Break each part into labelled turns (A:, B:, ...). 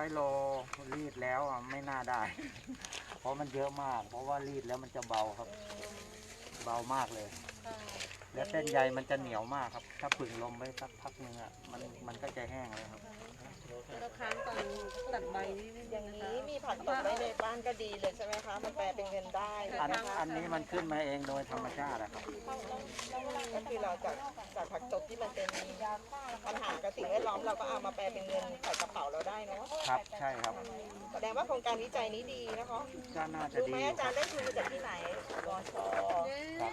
A: โลรีดแล้วไม่น่าได้ เพราะมันเยอะมาก เพราะว่ารีดแล้วมันจะเบาครับ เบามากเลย และเส้นใยมันจะเหนียวมากครับ ถ้าผึ่งลมไว้สักพักนึงมันก็จะแห้งเลยครับ
B: แล้วค้างตอนตัดใบนี่
C: อย่างนี้มีผักตบไว้ในบ้านก็ดีเลยใช่ไหมคะมันแปลเป็นเงินได้
A: อันนี้มันขึ้นมาเองโดยธรรมชาติครับ
C: ก็คือเราจากผักตบที่มันเป็นปัญหากับสิ่งแวดล้อมเราก็เอามาแปลเป็นเงินใส่กระเป๋าเราได้เนาะ
A: ครับ ใช่ครับ
C: แสดงว่าโครงการวิจัยนี้ดีนะคะ
A: ก็น่าจะ
C: รู้
A: ดี
C: ไหมอาจารย์ได้ทุนมาจากที่ไหนวช
A: ครับ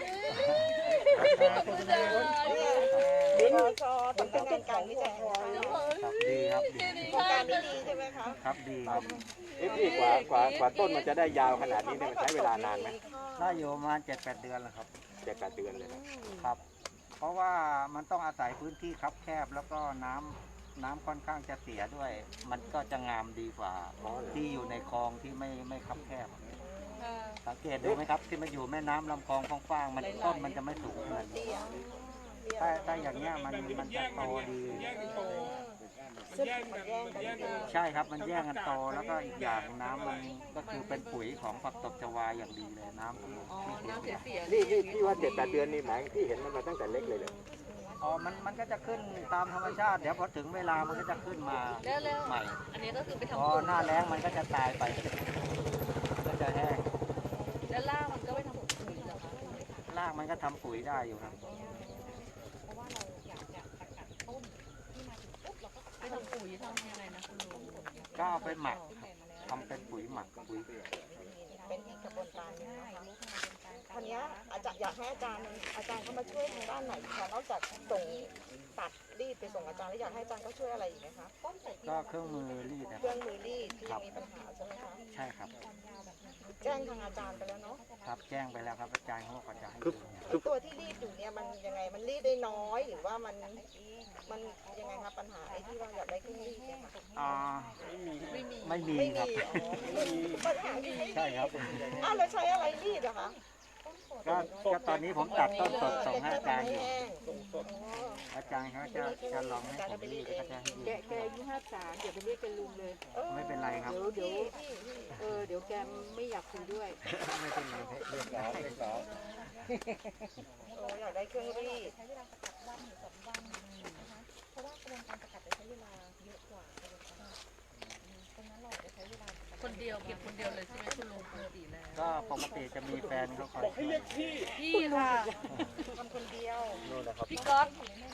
C: วชสำนักงานการวิจัยแห่งชาติ
A: ครับดีครับดี
C: โครงการนี้ดีใช่ไหมคะ
A: ครับดีครับ
D: พี่กว่าต้นมันจะได้ยาวขนาดนี้เนี่ยมันใช้เวลานานไหม
A: ได้อยู่ประมาณ7-8 เดือนแล้วครับ
D: 7-8 เดือนเลยนะครับ
A: เพราะว่ามันต้องอาศัยพื้นที่คับแคบแล้วก็น้ำค่อนข้างจะเสียด้วย มันก็จะงามดีกว่าที่อยู่ในคลองที่ไม่คับแคบ สังเกตดูไหมครับที่มันอยู่แม่น้ำลำคลองฟ้างๆมันต้นมันจะไม่สูงขนาดนี้ถ้าอย่างเงี้ยมันจะโตดี
C: ซึ่งมันแย่งกันดี
A: ใช่ครับมันแย่งกันโตแล้วก็อีกอย่างน้ำมันก็คือเป็นปุ๋ยของผักตบชวาอย่างดีเลยน้ำ
B: อ๋อน้ำเสีย
D: นี่พี่ว่า7-8 เดือนนี่หมายพี่เห็นมันมาตั้งแต่เล็กเลยเลย
A: อ๋อมันก็จะขึ้นตามธรรมชาติเดี๋ยวพอถึงเวลามันก็จะขึ้นมา
B: แล้ว
A: ใหม่
B: อันนี้ก็คือไป
A: พ
B: ทำ
A: อ
B: ปุ๋ย
A: หน้าแล้งมันก็จะตายไปก็จะแห้ง
B: แล้วล่างมันก็ไปทำปุ๋ยเหรอคะ
A: รากมันก็ทำปุ๋ยได้อยู่ครับ
B: ไปทำปุ๋ยทำยังไงนะคุณลุง
A: ก็เอาไปหมักทำเป็นปุ๋ยหมักปุ๋ย
C: เป็นอีกกระบวนการหนึงนะคะทีนี้อาจารย์อยากให้อาจารย์เข้ามาช่วยทางด้านไหนคะนอกจากส่งตัดรีดไปส่งอาจารย์แล้วอยากให้อาจารย์เขาช่วยอะไรอีกไหมคะ
A: ก็เครื่องมือรีดนะ
C: เครื่องมือรีดที่มีปัญหาใช่ไหมคะ
A: ใช่ครับ
C: แจ้งทางอาจารย์ไปแล้วเนาะ
A: ครับแจ้งไปแล้วครับอาจารย์เขาบอกว่าจะให้
C: ตัวที่รีดอยู่เนี่ยมันยังไงมันรีดได้น้อยหรือว่ามันยังไงคะปัญหาไอ้ที่เราอยากได้เครื่องรีดเนี่ยค่ะ
A: ไม่มี
C: ไม่
A: ครับ
C: มีปัญหาที่ไม่
A: ใช่ครับ
C: อ้าวเราใช้อะไรรีดอะคะ
A: ก็ตอนนี้ผมตัดต้นสดส่งให้อาจารย์อยู่
C: แห้ง
A: อาจารย์เขาจะลองให้ผมรีดก็จะให้รีด
E: แกอายุ53เดี๋ยวไปเรียกแกลุงเลย
A: ไม่เป็นไรครับ
E: เดี๋ยวแกไม่อยากคุยด้วย
A: ไม่เป็นไรเรียกได้
C: โอ้อยากได้เครื่องรีด
B: คนเดียวเก็บคนเดียวเลยใช่ไหมคุณลุงปกติแล้ว
A: ก็ปกติจะมีแฟนเขาคอยช่วย
B: พี่ค่ะ
C: ทำคนเดียว
B: พี่ก๊อต